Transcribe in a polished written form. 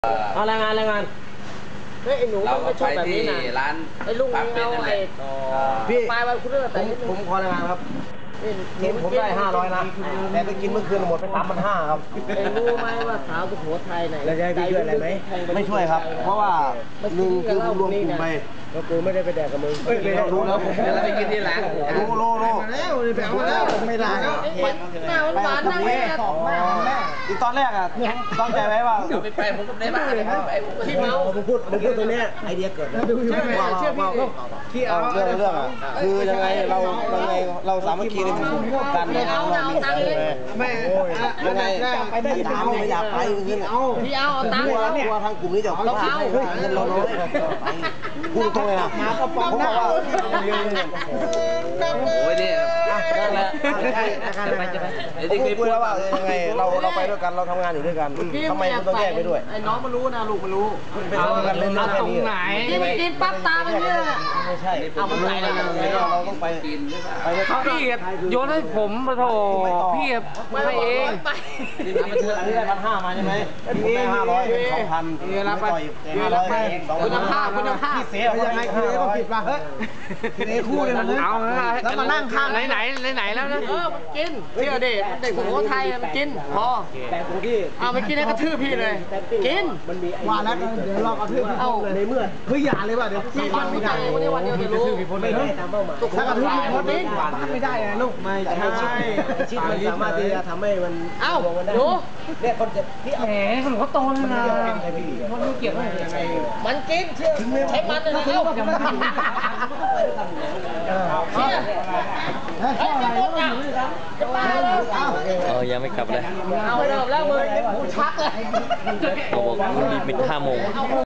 เอารายงานเฮ้ยไอ้หนูมันไม่ชอบแบบนี้นะร้านไอ้ลุงเอาไอ้พี่ไปวันคุณเลือกแต่ผมขอรายงานครับทีมผมได้500นะแต่ไปกินเมื่อคืนหมดไป3,500ครับรู้ไหมว่าสาวสุโขทัยไหนแล้วจะให้พี่ช่วยอะไรไหมไม่ช่วยครับเพราะว่าหนึ่งคือผมรวมกลุ่มไปก็กูไม่ได้ไปแดกกับมึงรู้แล้วแล้วไปกินที่ร้านรู้แล้วไปเอาแล้วไม่ได้แม่หวานนั่งแม่อีกตอนแรกอ่ะตั้งใจไว้ว่าไปผมก็ได้บ้านไปที่เมาผมพูดตรงนี้ไอเดียเกิดแล้วเชื่อพี่ที่เอาเรื่องอ่ะคือยังไงเราสามัคคีในหมู่กันในงานเรามีไม่ยังไงพี่ถามไม่อยากไปขึ้นพี่เอาตังค์เนี่ยทางกลุ่มนี้จะเราเอาเงินเราน้อยพูดตรงเลยนะผมบอกว่าโอ้ยเนี่ยนั่นแหละที่เคยพูดแล้วว่ายังไงเราไปด้วยกันเราทำงานอยู่ด้วยกันทำไมคุณต้องแยกไปด้วยไอ้น้องมันรู้นะลูกมันรู้เอากันเล่นตรงไหนกินปั๊บตามันเนี่ยไม่ใช่เอามันใส่แล้วเราต้องไปกินพี่โยนให้ผมมาโถพี่ให้เองนี่ได้1,500มาใช่ไหมผมได้500เป็น2,000นี่รับไป500 คุณภาพพี่เสียยังไงคือต้องผิดป่ะเฮ้ยทีนี้คู่เลยนะเอาแล้วมานั่งข้างไหนแล้วนะมันกินเชื่อเด็กสุโขทัยมันกินพอแต่กูที่มันกินให้กระทืบพี่เลยกินว่าแล้วเดี๋ยวเรากระทืบเอาในเมื่อคืออย่าเลยว่ะเดี๋ยวพี่มันไม่ได้วันนี้วันเดียวจะรู้ไม่ได้ตามเป้าหมายถ้ากระทืบคนนี้ไม่ได้นะลูกไม่ใช่ชิดมันสามารถที่จะทำให้มันดูเนี่ยคนจะพี่แหมคนเขาโตแล้วนะคนไม่เกี่ยวอะไรมันกินเชื่อใช้มันเลยนะเอ้ายังไม่กลับเลยเอาเริ่มแล้วมึงกูชักเลยเขาบอกมีเป็น5 โมง